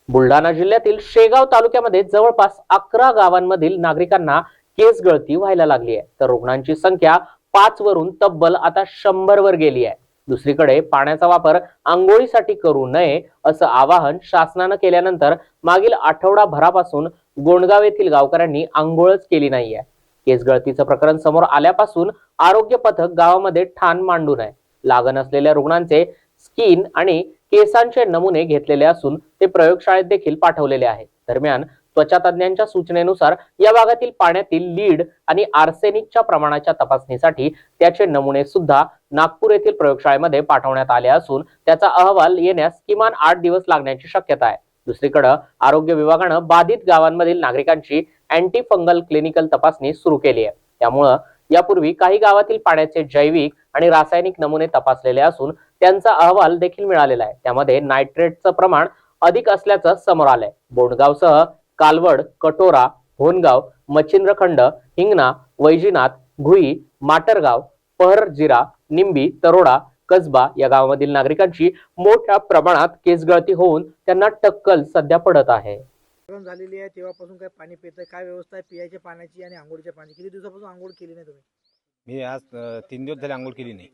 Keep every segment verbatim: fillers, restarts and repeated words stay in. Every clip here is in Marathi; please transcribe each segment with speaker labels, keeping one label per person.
Speaker 1: बुलढाणा जिल्ह्यातील शेगाव तालुक्यामध्ये जवळपास अकरा गावांमधील नागरिकांना केस गळती व्हायला लागली आहे, तर रुग्णांची संख्या पाच वरून तब्बल आता शंभर वर गेली आहे. दुसरीकडे पाण्याचा वापर आंघोळीसाठी करू नये असं आवाहन शासनानं केल्यानंतर मागील आठवडाभरापासून गोंडगाव येथील गावकऱ्यांनी आंघोळच केली नाहीये. केस गळतीचं प्रकरण समोर आल्यापासून आरोग्य पथक गावामध्ये ठाण मांडून आहे. लागण असलेल्या रुग्णांचे स्किन आणि केसांचे नमुने घेतलेले असून ते प्रयोगशाळेत देखील पाठवलेले आहे. दरम्यान त्वचा तज्ञांच्या सूचनेनुसार या भागातील पाण्यातील लीड आणि आर्सेनिकच्या प्रमाणाच्या तपासणीसाठी त्याचे नमुने सुद्धा नागपूर येथील प्रयोगशाळेमध्ये पाठवण्यात आले असून त्याचा अहवाल येण्यास किमान आठ दिवस लागण्याची शक्यता आहे. दुसरीकडे आरोग्य विभागानं बाधित गावांमधील नागरिकांची अँटी फंगल क्लिनिकल तपासणी सुरू केली आहे. त्यामुळे यापूर्वी काही गावातील पाण्याचे जैविक आणि रासायनिक नमुने तपासलेले असून त्यांचा अहवाल देखील मिळालेला आहे. त्यामध्ये नायट्रेटचं प्रमाण अधिक असल्याचं समोर आलंय. बोंडगावसह कालवड, कटोरा, भोनगाव, मच्छिंद्रखंड, हिंगणा, वैजीनाथ, घुई, माटरगाव, पहरजिरा, निंबी, तरोडा, कसबा या गावामधील नागरिकांची मोठ्या प्रमाणात केसगळती होऊन त्यांना टक्कल सध्या पडत आहे.
Speaker 2: झालेली आहे तेव्हापासून काय पाणी पिताय, काय व्यवस्था आहे पियाच्या पाण्याची आणि आंघोळीच्या पाण्याची? किती दिवसापासून आंघोळ केली नाही तुम्ही?
Speaker 3: मी आज अ, तीन दिवस झाले आंघोळ केली नाही,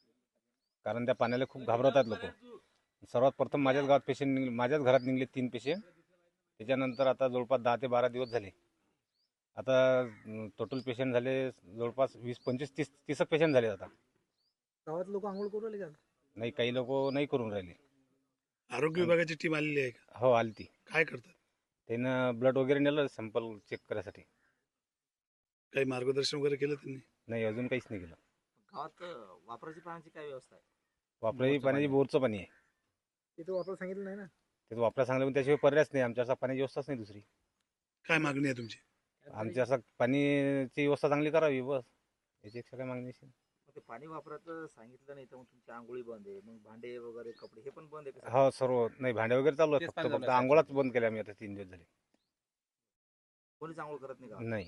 Speaker 3: कारण त्या पाण्याला खूप घाबरतात लोक. सर्वात प्रथम माझ्याच गावात पेशंट निघले, माझ्याच घरात निघले तीन पेशंट. त्याच्यानंतर आता जवळपास दहा ते बारा दिवस झाले. आता टोटल पेशंट झाले जवळपास वीस पंचवीस तीस तीसक पेशंट झाले. आता
Speaker 2: गावात लोक आंघोळ करू राहिले का?
Speaker 3: नाही, काही लोक नाही करून राहिले.
Speaker 4: आरोग्य विभागाची टीम आलेली आहे का?
Speaker 3: हो, आली ती.
Speaker 4: काय करतात?
Speaker 3: त्यानं ब्लड वगैरे नेलं सॅम्पल चेक करायसाठी.
Speaker 4: काही मार्गदर्शन वगैरे केलं त्यांनी?
Speaker 3: नाही, अजून काहीच नाही केलं.
Speaker 5: गावात वापराची पाण्याची काय व्यवस्था आहे?
Speaker 3: वापराची पाण्याची बोरचं पाणी आहे.
Speaker 2: तिथं वापर सांगितलं नाही ना?
Speaker 3: ते वापरा सांगलं पण त्याशिवाय पर्यायच नाही. आमच्या असं पाण्याची व्यवस्थाच नाही दुसरी.
Speaker 4: काय मागणी आहे तुमची?
Speaker 3: आमची असं पाणीची व्यवस्था चांगली करावी, बस. याच्यापेक्षा काय मागणी असेल?
Speaker 5: ते पाणी वापरायचं सांगितलं नाही तर मग तुमची आंघोळी बंद आहे, मग भांडे वगैरे कपडे हे पण बंद आहे का?
Speaker 3: हो, सर्व नाही. भांडे वगैरे चालू आहे, फक्त फक्त आंघोळच बंद केल्या आम्ही आता तीन दिवस झाले.
Speaker 5: कोणीच आंघोळ करत नाही का?
Speaker 3: नाही.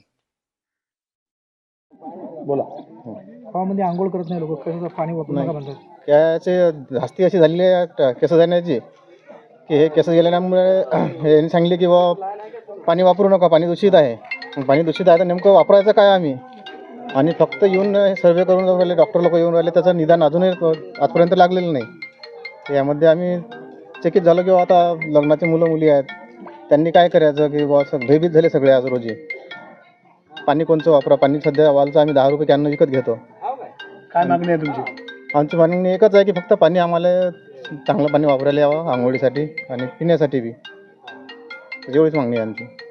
Speaker 2: बोला. गावामध्ये आंघोळ करत नाही लोक, कसं पाणी वापरू नका म्हणतात.
Speaker 6: याचे धास्ती अशी झालेली आहे केस जाण्याची की हे केस गेल्यामुळे यांनी सांगले की बा पाणी वापरू नका, पाणी दूषित आहे. मग पाणी दूषित आहे तर नेमकं वापरायचं काय आम्ही? आणि फक्त येऊन हे सर्वे करून जाऊन राहिले, डॉक्टर लोक येऊन राहिले, त्याचं निदान अजूनही आजपर्यंत लागलेलं नाही. यामध्ये आम्ही चकित झालो की आता लग्नाचे मुलं मुली आहेत, त्यांनी काय करायचं की बा भयभीत झाले सगळे आज रोजी. पाणी कोणचं वापरा? पाणी सध्या वालचं आम्ही दहा रुपये कॅन विकत घेतो.
Speaker 4: काय मागणी आहे तुमची?
Speaker 6: आमची मागणी एकच आहे की फक्त पाणी आम्हाला चांगलं पाणी वापरायला यावं, आंघोळीसाठी आणि पिण्यासाठी बी. एवढीच मागणी आहे आमची.